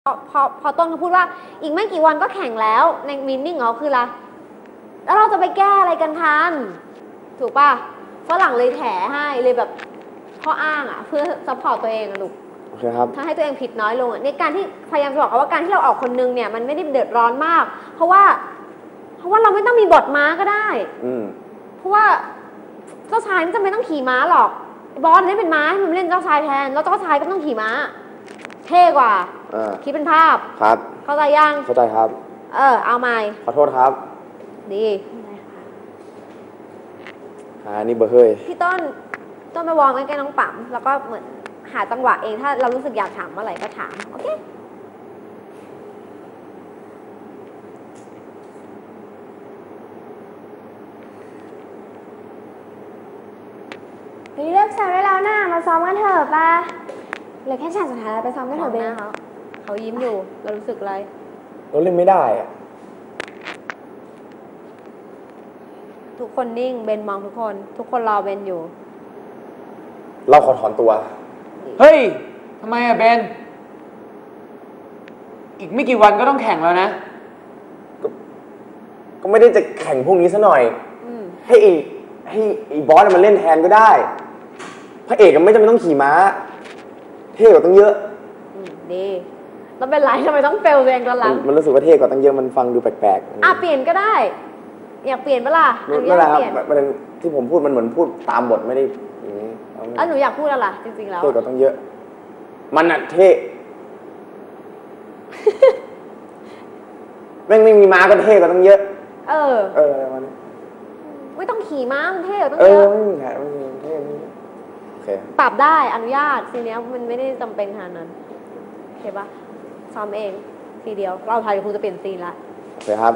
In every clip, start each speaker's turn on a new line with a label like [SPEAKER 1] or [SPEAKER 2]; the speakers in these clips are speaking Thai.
[SPEAKER 1] พอต้นเขาพูดว่าอีกไม่กี่วันก็แข่งแล้วในมินนิ่งเขาคืออะไรแล้วเราจะไปแก้อะไรกันทันถูกป่ะฝรั่งเลยแถให้เลยแบบข้ออ้างอ่ะเพื่อซัพพอร์ตตัวเองอะลูก
[SPEAKER 2] โอเคครับ
[SPEAKER 1] ถ้าให้ตัวเองผิดน้อยลงในการที่พยายามจะบอกว่าการที่เราออกคนนึงเนี่ยมันไม่ได้เดือดร้อนมากเพราะว่าเราไม่ต้องมีบทม้าก็ได้เพราะว่าเจ้าชายไม่จำเป็นต้องขี่ม้าหรอกบอสได้เป็นม้าให้มันเล่นเจ้าชายแทนแล้วเจ้าชายก็ต้องขี่ม้าเท่กว่าคิดเป็นภาพ
[SPEAKER 2] ครับ
[SPEAKER 1] เข้าใจยัง
[SPEAKER 2] เข้าใจครับ
[SPEAKER 1] เอาใหม่
[SPEAKER 2] ขอโทษครับ
[SPEAKER 1] ดี
[SPEAKER 2] นี่เบอร์เฮ้ย
[SPEAKER 1] พี่ต้นไปวอร์มใกล้ๆน้องปั๊มแล้วก็เหมือนหาจังหวะเองถ้าเรารู้สึกอยากถามเมื่อไหร่ก็ถามโอเค
[SPEAKER 3] เลิกซ้อมได้แล้วนะมาซ้อมกันเถอะป่ะเหลือแค่ฉากสุดท้ายแล้วไปซ้อมกันเถอะเบน
[SPEAKER 1] เขายิ้มอยู่เรารู้สึกอะไร
[SPEAKER 2] เราเล่นไม่ได้อะ
[SPEAKER 1] ทุกคนนิ่งเบนมองทุกคนรอเบนอยู่
[SPEAKER 2] เราขอถอนตัว
[SPEAKER 4] เฮ้ยทำไมอะเบนอีกไม่กี่วันก็ต้องแข่งแล้วนะ
[SPEAKER 2] ก็ไม่ได้จะแข่งพวกนี้ซะหน่อยให้บอสมันเล่นแทนก็ได้พระเอกก็ไม่จำเป็นต้องขี่ม้าเท่กว่าตั้งเยอะ
[SPEAKER 1] ดีแล้วเป็นไรทำไมต้องเฟลตัวเองตอนหลัง
[SPEAKER 2] มันรู้สึกว่าเท่กว่าตั้งเยอะมันฟังดูแปลก
[SPEAKER 1] ๆเปลี่ยนก็ได้อยากเปลี่ยนปะล่ะ
[SPEAKER 2] นั่นแหละครับประเด็นที่ผมพูดมันเหมือนพูดตามบทไม่ได้อย่างนี้
[SPEAKER 1] แล้วหนูอยากพูดอะไรจริงๆแล้ว
[SPEAKER 2] เท่กว่าตั้งเยอะมันน่ะเท่ แม่งไม่มีม้าก็เท่กว่าตั้งเยอะอะไรมัน
[SPEAKER 1] ไม่ต้องขี่ม้ามันเท่กว่าตั้งเยอะ
[SPEAKER 2] ไม่มีแผลไม่มีเท่โอเค
[SPEAKER 1] ปรับได้อนุญาตทีเนี้ยมันไม่ได้จำเป็นขนาดนั้นโอเคปะซ้อมเองทีเดียวเราถ่ายครูจะเปลี่ยนซีนละ
[SPEAKER 2] โอเคครับ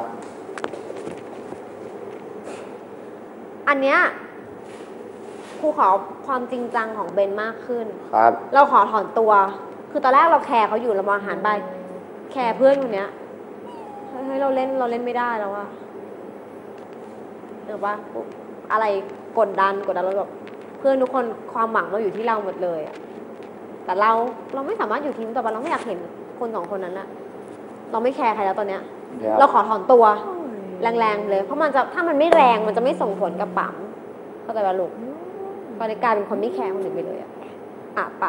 [SPEAKER 1] อันเนี้ยครูขอความจริงจังของเบนมากขึ้น
[SPEAKER 2] ครับ
[SPEAKER 1] เราขอถอนตัวคือตอนแรกเราแคร์เขาอยู่เรามองหันไปแคร์เพื่อนคนเนี้ยเฮ้ยเราเล่นไม่ได้แล้วอะหรือว่าอะไรกดดันเราแบบเพื่อนทุกคนความหวังเราอยู่ที่เราหมดเลยอะแต่เราไม่สามารถอยู่ทีมต่อไปเราไม่อยากเห็นคนสองคนนั้นอะเราไม่แคร์ใครแล้วตอนเนี้ยเราขอถอนตัวแรงๆเลยเพราะมันจะถ้ามันไม่แรงมันจะไม่ส่งผลกับปั๊มเข้าใจป่ะลูกตอนนี้กลายเป็นคนไม่แคร์คนอื่นไปเลยอะป่ะ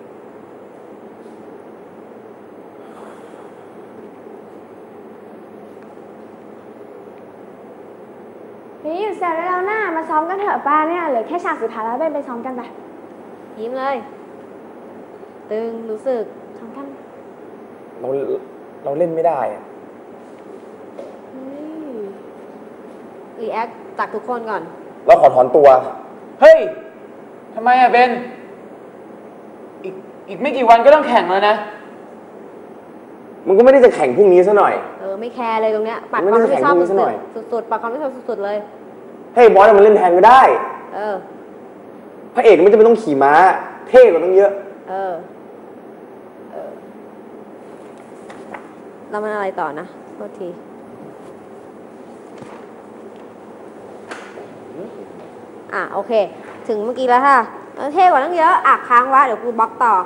[SPEAKER 3] นี่อยู่แซวได้แล้วนะมาซ้อมกันเถอะป้าเนี่ยเหลือแค่ฉากสุดท้ายแล้วเบนไปซ้อมกันไป
[SPEAKER 1] ยิ้มเลยตึงรู้สึกซ้อมกัน
[SPEAKER 2] เราเล่นไม่ได้
[SPEAKER 1] รีแอคจากทุกคนก่อน
[SPEAKER 2] เราขอถอนตัว
[SPEAKER 4] เฮ้ยทำไมอะเบนอีกไม่กี่วันก็ต้องแข่งแล้วนะ
[SPEAKER 2] มันก็ไม่ได้จะแข่งพรุ่งนี้ซะหน่อย
[SPEAKER 1] ไม่แคร์เลยตรงเนี้ยปัดความไม่ชอบสุดๆปัดความไม่ชอบสุดๆเลย
[SPEAKER 2] ให้บอสมันเล่นแทนก็ได้พระเอกไม่จำเป็นต้องขี่ม้าเท่กว่าต้องเยอะ
[SPEAKER 1] แล้วมันอะไรต่อนะโทษทีโอเคถึงเมื่อกี้แล้วค่ะเท่กว่าตั้งเยอะค้างไว้เดี๋ยวกูบล็อกต่อ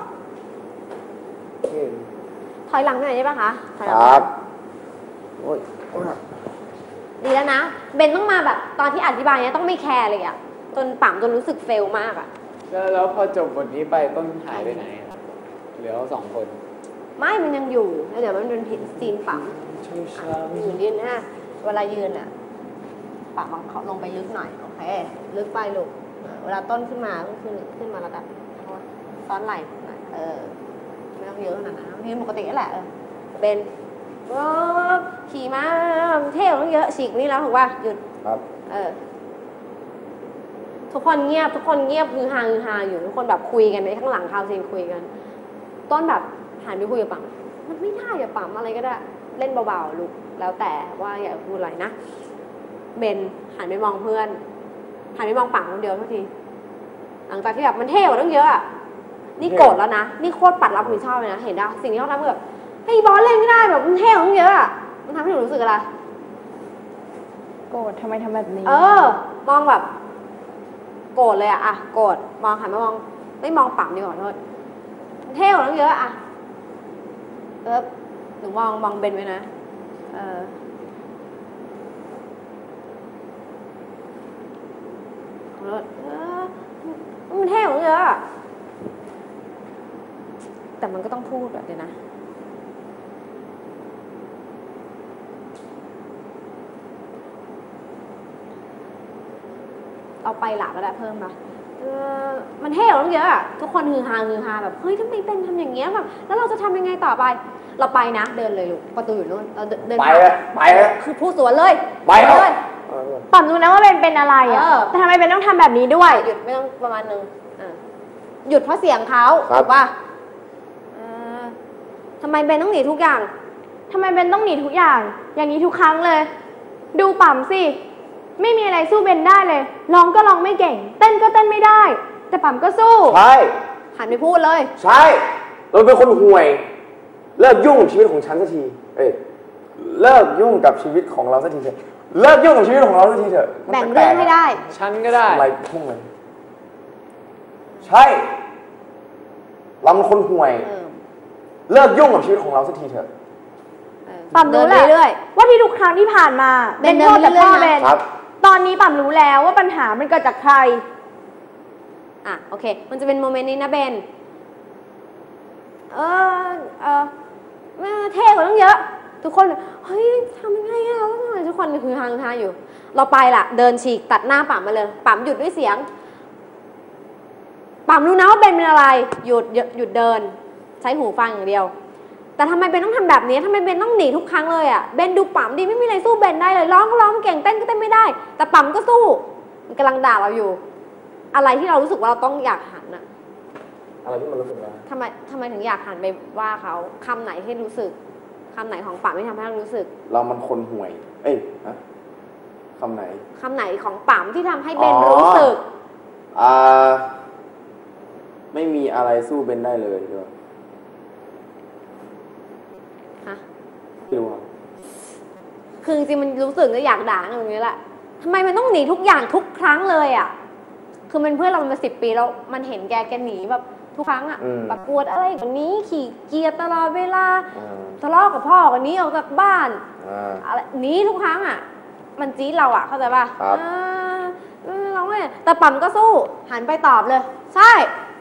[SPEAKER 1] ถอยหลังไปหน่อยได้ปะคะ
[SPEAKER 2] ครับโอ้ย
[SPEAKER 1] ดีแล้วนะเบนต้องมาแบบตอนที่อธิบายเนี้ยต้องไม่แคร์เลยอะจนปั๊มจนรู้สึกเฟลมากอะ
[SPEAKER 4] แล้วพอจบบทนี้ไปต้นหายไปไหนเหลือสองคน
[SPEAKER 1] ไม่มันยังอยู่แล้วเดี๋ยวมันเป็นซีนปั๊มยืนนะเวลายืนอะปั๊มเขาลงไปลึกหน่อยโอเคลึกไปลูกเวลาต้นขึ้นมาก็ขึ้นมาระดับซ้อนไหล่หน่อยไม่ต้องเยอะขนาดนั้นยืนปกตินี่แหละเบนขี่ม้าเท่ต้องเยอะฉีกนี่แล้วถูกป่ะหยุด
[SPEAKER 2] ครับ
[SPEAKER 1] ทุกคนเงียบคือฮาอยู่ทุกคนแบบคุยกันในข้างหลังคาวซีนคุยกันต้นแบบหันไปคุยกับปั๊มมันไม่ได้อย่าปั๊มอะไรก็ได้เล่นเบาๆลูกแล้วแต่ว่าอย่าพูดอะไรนะเบนหันไปมองเพื่อนหันไปมองปั๊มคนเดียวทุกทีหลังจากที่แบบมันเท่กว่าต้องเยอะนี่โกรธแล้วนะนี่โคตรปัดรับผิดชอบเลยนะเห็นป่ะสิ่งที่เขาทำแบบไอ้บอสเล่นไม่ได้แบบมันเท่ของเยอะมันทำให้หนูรู้สึกอะไร
[SPEAKER 3] โกรธทำไมทำแบบนี้
[SPEAKER 1] มองแบบโกรธเลยโกรธมองหันมามองไม่มองปั๊มดีกว่าโทษเท่ของเยอะหนูมองเบนไว้นะ มันเท่ของเยอะอะแต่มันก็ต้องพูดแบบเดี๋ยวนะ เอาไปหลักก็ได้เพิ่มมามันเท่ของเยอะอะทุกคนฮือฮาแบบเฮ้ยทำไมเป็นทำอย่างเงี้ยแบบแล้วเราจะทำยังไงต่อไป เราไปนะเดินเลยลูกประตูอยู่นู่นเราเดิน
[SPEAKER 2] ไปเลย
[SPEAKER 1] คือพูดสวนเลยไปเลย
[SPEAKER 3] ปั๊มรู้นะว่าเป็นอะไรอ่ะแต่ทำไมเป็นต้องทำแบบนี้ด้วย
[SPEAKER 1] หยุดไม่ต้องประมาณนึงหยุดเพราะเสียงเขาถูกป่ะทำไมเบนต้องหนีทุกอย่าง
[SPEAKER 3] ทำไมเบนต้องหนีทุกอย่างอย่างนี้ทุกครั้งเลย ดูปั๊มสิไม่มีอะไรสู้เบนได้เลยร้องก็ร้องไม่เก่งเต้นก็เต้นไม่ได้แต่ปั๊มก็สู้
[SPEAKER 2] ใช่
[SPEAKER 1] หันไปพูดเลย
[SPEAKER 2] ใช่เราเป็นคนห่วยเลิกยุ่งกับชีวิตของฉันสักทีเลิกยุ่งกับชีวิตของเราสักทีเถอะเลิกยุ่งกับชีวิตของเราสักทีเถอะ
[SPEAKER 1] แบ่งเรื่องไม่ได้
[SPEAKER 4] ฉันก็ได้
[SPEAKER 2] อะไรพุ่งเลยใช่เราเป็นคนห่วยเลิกยุ่งกับชีวิตของเราสักทีเถอะ
[SPEAKER 3] ปั๊มรู้แหละว่าที่ทุกครั้งที่ผ่านมาเบนโทษแต่พ่อเบนตอนนี้ปั๊มรู้แล้วว่าปัญหามันเกิดจากใคร
[SPEAKER 1] โอเคมันจะเป็นโมเมนต์นี้นะเบนเท่กว่าต้องเยอะทุกคนเฮ้ยทำยังไงอะทุกคนคือฮาอยู่เราไปล่ะเดินฉีกตัดหน้าปั๊มมาเลยปั๊มหยุดด้วยเสียงปั๊มรู้นะว่าเบนเป็นอะไรหยุดเดินใช้หูฟังอย่างเดียวแต่ทำไมเบนต้องทำแบบนี้ทำไมเบนต้องหนีทุกครั้งเลยอะเบนดูปั๊มดีไม่มีอะไรสู้เบนได้เลยร้องก็ร้องเก่งเต้นก็เต้นไม่ได้แต่ปั๊มก็สู้มันกำลังด่าเราอยู่อะไรที่เรารู้สึกว่าเราต้องอยากหันอะ
[SPEAKER 2] อะไรที่มันรู้สึกว่า
[SPEAKER 1] ทำไมถึงอยากหันไปว่าเขาคำไหนให้รู้สึกคำไหนของปั๊มที่ทำให้เรารู้สึก
[SPEAKER 2] เรามันคนห่วยคำไหน
[SPEAKER 1] ของปั๊มที่ทำให้เบนรู้สึก
[SPEAKER 2] ไม่มีอะไรสู้เบนได้เลยด้วยไม่รู้
[SPEAKER 1] คือจริงๆมันรู้สึกก็อยากด่าตรงนี้แหละทำไมมันต้องหนีทุกอย่างทุกครั้งเลยอ่ะคือมันเพื่อนเรามา10 ปีแล้วมันเห็นแกหนีแบบทุกครั้งอ่ะประกวดอะไรแบบนี้ขี่เกียร์ตลอดเวลาทะเลาะกับพ่อกันนี้ออกจากบ้านอะไรนี้ทุกครั้งอ่ะมันจี๊ดเราอ่ะเข้าใจป่ะเราไม่แต่ปั๊มก็สู้หันไปตอบเลยใช่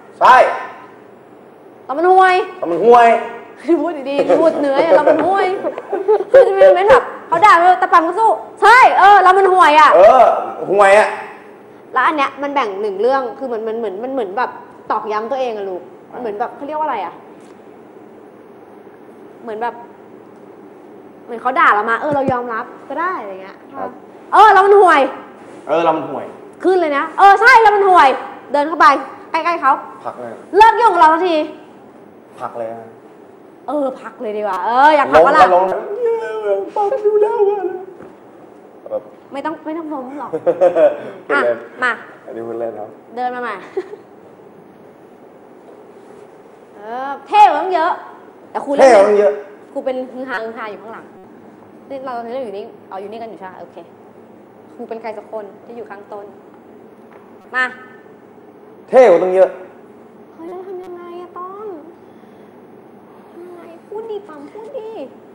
[SPEAKER 1] เรามันห่วยพูดดีๆพูดเนื้อเรามันห่วยคือจะมีโมเมนต์แบบเขาด่าเราแต่ปั๊มก็สู้ใช่เรามันห่วยอ่ะ
[SPEAKER 2] ห่วยอ่ะ
[SPEAKER 1] แล้วอันเนี้ยมันแบ่ง1 เรื่องคือเหมือนแบบตอกย้ำตัวเองอะลูกเหมือนแบบเขาเรียกว่าอะไรอะเหมือนเขาด่าเรามาเรายอมรับก็ได้อะไรเงี้ยเรามันห่วย
[SPEAKER 2] เรามันห่วย
[SPEAKER 1] ขึ้นเลยนะใช่เรามันห่วยเดินเข้าไปใกล้ๆเขา
[SPEAKER 2] พักเลย
[SPEAKER 1] เลิกยุ่งกับเราที
[SPEAKER 2] พักเลย
[SPEAKER 1] พักเลยดีกว่าอยากพักก็ล่ะ
[SPEAKER 2] ปั๊มดูแล้ว
[SPEAKER 1] ไม่ต้องล้มหรอกมา
[SPEAKER 2] อันนี้พูดเล่นครับ
[SPEAKER 1] เดินมาใหม่เท่ต้องเยอะแต่ครูเล่น
[SPEAKER 2] เยอะ
[SPEAKER 1] ครูเป็นฮือฮาอยู่ข้างหลังนี่เราอยู่นี่อยู่นี่กันอยู่ใช่ไหมโอเคครูเป็นใครสักคนที่อยู่ข้างต้นมา
[SPEAKER 2] เท่ต้องเยอะ
[SPEAKER 1] เฮ้ยแล้วทำยังไงอะต้นทำยังไงพูดดีปั๊มพูดดี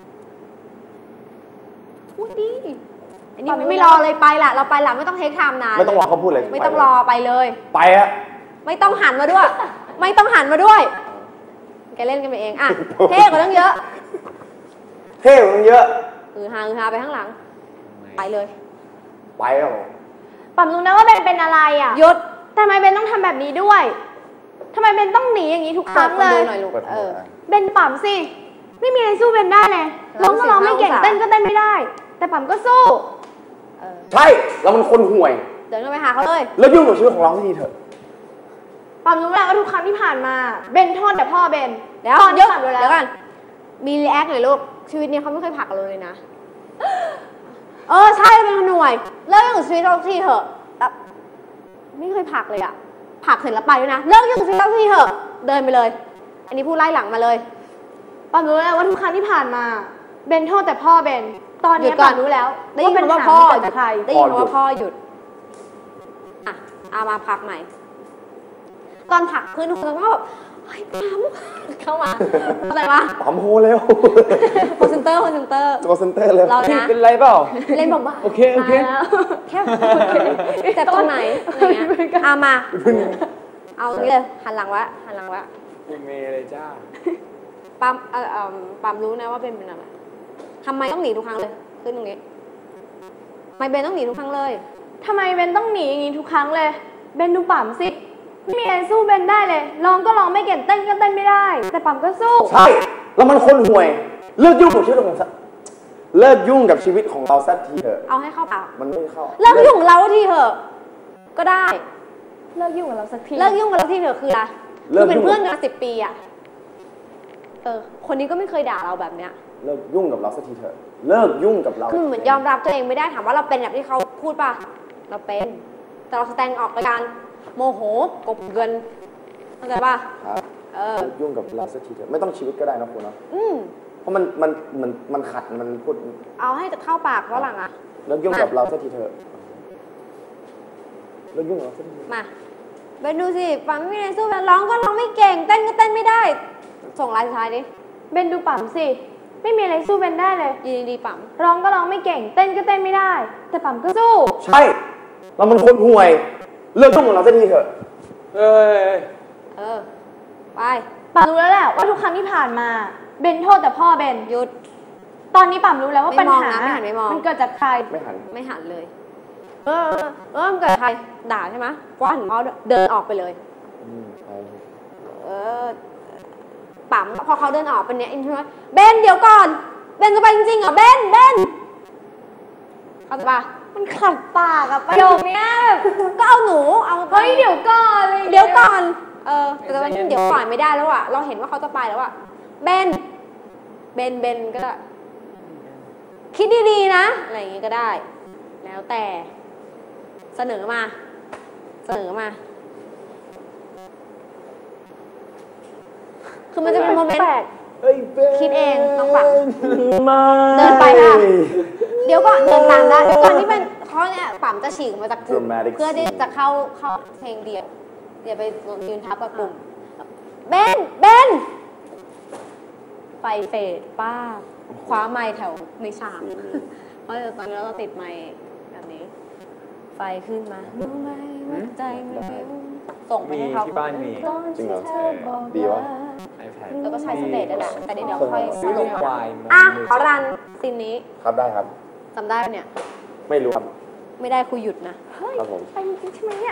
[SPEAKER 1] อันนี้ไม่รอเลยไปละเราไปละไม่ต้องเทคไทม์นาน
[SPEAKER 2] ไม่ต้องรอเขาพูดเลย
[SPEAKER 1] ไม่ต้องรอไปเลย
[SPEAKER 2] ไปอะ
[SPEAKER 1] ไม่ต้องหันมาด้วยไม่ต้องหันมาด้วยแกเล่นกันไปเองเท่กว่าต้องเยอะฮาไปข้างหลังไปเลย
[SPEAKER 2] ไปแล้ว
[SPEAKER 3] ปั๊มรู้นะว่าเบนเป็นอะไรอ่ะ
[SPEAKER 1] หยุด
[SPEAKER 3] ทำไมเบนต้องทำแบบนี้ด้วยทำไมเบนต้องหนีอย่างนี้ทุกครั้งเลยเบนปั๊มสิไม่มีอะไรสู้เบนได้เลยร้องก็ร้องไม่เก่งเต้นก็เต้นไม่ได้แต่ปั๊มก็สู้
[SPEAKER 2] ใช่เรามันคนห่วย
[SPEAKER 1] เดินเข้าไปหาเขาเลย
[SPEAKER 2] แล้วยุ่งกับชีวิตของเราสักทีเถอะ
[SPEAKER 3] ปั๊มรู้แล้วว่าทุกครั้งที่ผ่านมาเบนโทษแต่พ่อเบน
[SPEAKER 1] เดี๋ยวกันมีรีแอคหน่อยลูกชีวิตนี้เขาไม่เคยผลักเราเลยนะใช่เราเป็นคนห่วยเลิกยุ่งกับชีวิตเราทีเถอะไม่เคยผลักเลยอะผลักเสร็จแล้วไปด้วยนะเลิกยุ่งกับชีวิตเราทีเถอะเดินไปเลยอันนี้พูดไล่หลังมาเลย
[SPEAKER 3] ปั๊มรู้แล้วว่าทุกครั้งที่ผ่านมาเบนโทษแต่พ่อเบนตอนนี้ปั๊มรู้แล้ว
[SPEAKER 1] ได้ยินว่าพ่อหยุดได้ยินว่าพ่อหยุดเอามาพักใหม่ตอนผลักคือทุกคนก็แบบเฮ้ยปั๊มเข้ามาอะไรวะ
[SPEAKER 2] ปั๊มโฮเร็ว
[SPEAKER 1] คอนเซนเตอร์คอนเซนเตอร์
[SPEAKER 2] ตัวเซนเตอร์เลย
[SPEAKER 1] เรานะ
[SPEAKER 4] เป็นไรเปล่า
[SPEAKER 1] เล่นบ้าๆ
[SPEAKER 4] โอเคโอเค
[SPEAKER 1] ตายแล้วแค่เจ็บตรงไหนอะไรเงี้ยเอามา เอาตรงนี้เลยหันหลังวะหันหลังวะ
[SPEAKER 4] กูเมย์เลยจ้า
[SPEAKER 1] ปั๊มปั๊มรู้นะว่าเป็นอะไรทำไมต้องหนีทุกครั้งเลยขึ้นตรงนี้ทำไมเบนต้องหนีทุกครั้งเลย
[SPEAKER 3] ทำไมเบนต้องหนีอย่างนี้ทุกครั้งเลย เบนดูปั๊มสิไม่มีอะไรสู้เบนได้เลยร้องก็ร้องไม่เก่งเต้นก็เต้นไม่ได้ แต่ปั๊มก็สู้
[SPEAKER 2] ใช่แล้วมันคนห่วยเลิกยุ่งกับชีวิตของเลิกยุ่งกับชีวิตของเราสักทีเถอะ
[SPEAKER 1] เอาให้เข้าปาก
[SPEAKER 2] มันไม่เข้า
[SPEAKER 1] เลิกยุ่งกับเราทีเถอะก็ได้
[SPEAKER 3] เลิกยุ่งกับเราสักที
[SPEAKER 1] เลิกยุ่งกับเราทีเถอะคืออะไรคือเป็นเพื่อนกันมา10 ปีอ่ะคนนี้ก็ไม่เคยด่าเราแบบเนี้ย
[SPEAKER 2] เลิกยุ่งกับเราสักทีเถอะเลิกยุ่งกับเรา
[SPEAKER 1] คือเหมือนยอมรับตัวเองไม่ได้ถามว่าเราเป็นแบบที่เขาพูดป่ะเราเป็นแต่เราแสดงออกในการโมโหกบเกินเข้าใจป่ะ
[SPEAKER 2] ครับเลิกยุ่งกับเราสักทีเถอะไม่ต้องชีวิตก็ได้นะคุณเนาะ เพราะมันขัดมันพูด
[SPEAKER 1] เอาให้จะเข้าปากเพราะหลังอ่ะ
[SPEAKER 2] เลิกยุ่งกับเราสักทีเถอะเลิกยุ่งกับเราสักที
[SPEAKER 1] มาไปดูสิปั๊มไม่ได้สู้ร้องก็ร้องไม่เก่งเต้นก็เต้นไม่ได้ ส่งลายสุดท้ายดิ
[SPEAKER 3] เบนดูปั๊มสิไม่มีอะไรสู้เบนได้เลย
[SPEAKER 1] ยินดีปั๊ม
[SPEAKER 3] ร้องก็ร้องไม่เก่งเต้นก็เต้นไม่ได้ แต่ปั๊มก็สู้
[SPEAKER 2] ใช่เรามันคนห่วยเลิกยุ่งกับเราสักทีเถอะ
[SPEAKER 4] เอ้ย
[SPEAKER 1] ไป
[SPEAKER 3] ปั๊มรู้แล้วแหละว่าทุกครั้งที่ผ่านมาเบนโทษแต่พ่อเบน
[SPEAKER 1] หยุด
[SPEAKER 3] ตอนนี้ปั๊มรู้แล้วว่า
[SPEAKER 1] ไม่
[SPEAKER 3] ปัญ
[SPEAKER 1] มอง
[SPEAKER 3] หา
[SPEAKER 1] นะไม่หันไม่มอง
[SPEAKER 3] มันเกิดจากใคร
[SPEAKER 2] ไม่หัน
[SPEAKER 1] ไม่หันเลย มันเกิดใครด่าใช่ไหมว่าหันเขาเดินออกไปเลย
[SPEAKER 2] ใช่
[SPEAKER 1] ปั๊มพอเขาเดินออกเป็นเนี้ยอินใช่ไหมเบนเดี๋ยวก่อนเบนจะไปจริงๆเหรอเบนเข้าใจปะ
[SPEAKER 3] มันขัดปากอะประโยคเนี้ย
[SPEAKER 1] ก็เอาหนูเอาไป
[SPEAKER 3] เฮ้ยเดี๋ยวก่อนเลย
[SPEAKER 1] เดี๋ยวก่อนแต่ว่าเดี๋ยวก่อนไม่ได้แล้วอะเราเห็นว่าเขาจะไปแล้วอะเบนก็ได้คิดดีๆนะอะไรอย่างงี้ก็ได้ แล้วแต่เสนอมาคือมันจะเป็นโมเมนต์คิดเองน้องปังเดินไปค่ะเดี๋ยวก่อนเดินตามได้ก่อนที่เป็นเขาเนี่ยปั๊มจะฉีกมาจากกลุ่มเพื่อที่จะเข้าเพลงเดียวเดี๋ยวไปยืนทับกับกลุ่มเบนไฟเฟดป้าคว้าไม้แถวในฉากเพราะตอนนี้เราติดไม้แบบนี้ไฟขึ้นมารู้ไหมว่าใจมันส่งไปให้เขา
[SPEAKER 4] ที่บ้านมี
[SPEAKER 2] จริงเหรอดีวะ
[SPEAKER 4] iPad
[SPEAKER 1] แล้วก็ใช้สเตจนั่นแหละแต่เดี๋ยวค่อย
[SPEAKER 4] ซื้อ
[SPEAKER 1] ลง
[SPEAKER 4] ควาย
[SPEAKER 1] ขอรันซีนนี้
[SPEAKER 2] ครับได้ครับ
[SPEAKER 1] จำได้ปะเนี่ย
[SPEAKER 2] ไม่รู้ครับ
[SPEAKER 1] ไม่ได้คุยหยุดนะ
[SPEAKER 2] ครับผม
[SPEAKER 3] ไปจริงๆใช่ไหมเนี่ย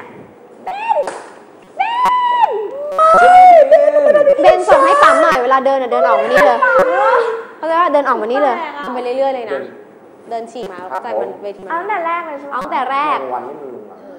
[SPEAKER 1] เบนส่งให้ปั๊มหน่อยเวลาเดินเดินออกมานี่เลยเขาจะว่าเดินออกมานี่เลยทำไปเรื่อยๆเลยนะเดินฉีกมาเข้าใจมันเวที
[SPEAKER 3] เอา
[SPEAKER 1] มา
[SPEAKER 3] ตั้งแต่แรกเลยใช่ไหม
[SPEAKER 1] เอาตั้งแต่แรก
[SPEAKER 2] วันนี้มีมา